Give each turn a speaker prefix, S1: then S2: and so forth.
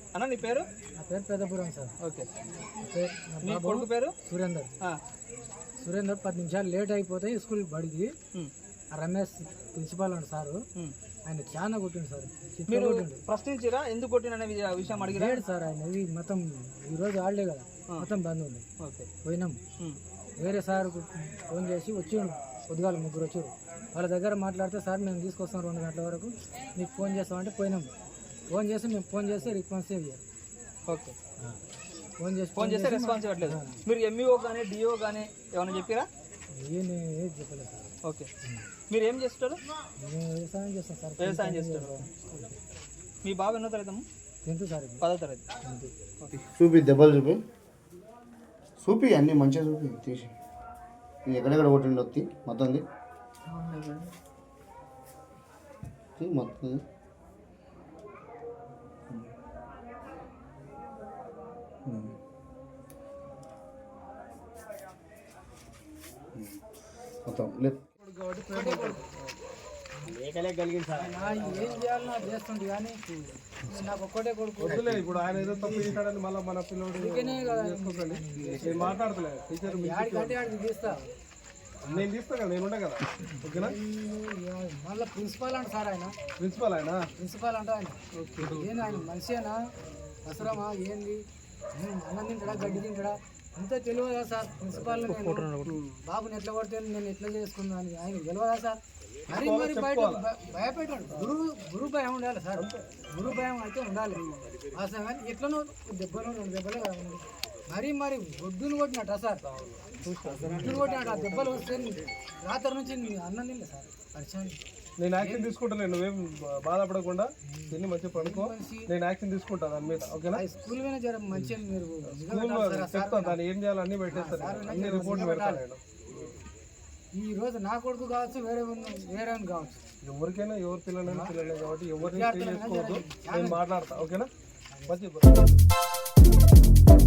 S1: అన్న నీ పేరు?
S2: నా పేరు పెద్దపురం సార్.
S1: ఓకే.
S2: నీ
S1: కొడుకు పేరు?
S2: సురేందర్. 10 నిమిషాలు లేట్ అయిపోతే స్కూల్ బడికి రమేష్ ప్రిన్సిపాల్ అండి సారు, ఆయన చాలా కొట్టిండు సార్.
S1: మీరు ప్రశ్నించిరా ఎందుకు కొట్టిన అనే విషయం అడిగారు
S2: సార్. ఆయన ఇది మొత్తం ఈరోజు హాలిడే కదా, మొత్తం బంద్ ఉంది. పోయినాం, వేరే సార్ ఫోన్ చేసి వచ్చిండు, పొద్దుగాల 3 వచ్చారు. వాళ్ళ దగ్గర మాట్లాడితే సార్ మేము తీసుకొస్తాం 2 గంటల వరకు, మీకు ఫోన్ చేస్తామంటే పోయినాం. ఫోన్ చేస్తే రెస్పాన్స్ ఇవ్వరు.
S1: ఓకే.
S2: ఫోన్ చేస్తే
S1: రెస్పాన్స్ ఇవ్వట్లేదు. మీరు ఎంఈఓ కానీ డిఓ కానీ ఏమైనా చెప్పారా?
S2: ఏది చెప్పలేదు సార్.
S1: ఓకే. మీరు ఏం చేస్తారు?
S2: వ్యవసాయం చేస్తాం సార్.
S1: వ్యవసాయం చేస్తారు. మీ బాబు ఎన్నో తరగతి?
S2: 10th sir.
S1: 10వ తరగతి.
S3: చూపి దెబ్బలు చూపి అన్నీ మంచిగా చూపి తీసి ఎక్కడెక్కడ కొట్టిండి వచ్చి మొత్తం మొత్తం మొత్తం లేదు.
S2: ఏం చేయాలి నాకు చేస్తుంది కానీ నాకు ఒక్కటే కొడుకు.
S4: ఇప్పుడు ఆయన ఏదో తప్పు చేశాడని మళ్ళీ మన పిల్లడు మాట్లాడతలేదు. టీచర్
S2: తీస్తా,
S4: నేను తీస్తా కదా, నేను ఉండే కదా. ఓకేనా?
S2: మళ్ళీ ప్రిన్సిపాల్ అంట సార్. ఆయన
S4: ప్రిన్సిపాల్
S2: అంటే ఆయన ఏంది, ఆయన మనిషేనా అవసరమా ఏంది? అన్నం తింటాడా, గడ్డి తింటాడా, అంతా తెలియదా సార్? ప్రిన్సిపాల్ బాబుని ఎట్లా కొడితే నేను ఎట్లా చేసుకున్నాను ఆయన తెలియదా సార్? మరి బయట భయపెట్టాడు. గురు భయం ఉండాలి సార్, గురు భయం అయితే ఉండాలి. అసలు కానీ ఎట్లనో దెబ్బలు 2 దెబ్బలే మరి ఒడ్డును కొట్టినట్ట సార్, ఒడ్డును కొట్టినట్టు. ఆ దెబ్బలు వస్తే రాత్రి నుంచి అన్నం తినలే సార్. పరిచయం
S4: నేను యాక్షన్ తీసుకుంటాను, నువ్వేం బాధపడకుండా తిని మంచిగా పడుకో, నేను యాక్షన్ తీసుకుంటాను దాని మీద. ఓకేనా?
S2: స్కూల్ మీద జర మంచిగా మీరు
S4: స్కూల్లో చెప్తాను, దాన్ని ఏం చేయాలో అన్నీ పెట్టేస్తాను, అన్ని రిపోర్ట్లు పెడతాను నేను.
S2: ఈ రోజు నా కొడుకు కావచ్చు, వేరే కావచ్చు,
S4: ఎవరికైనా ఎవరి పిల్లలైనా కాబట్టి ఎవరిని చేసుకోవద్దు. నేను మాట్లాడతా. ఓకేనా? మంచి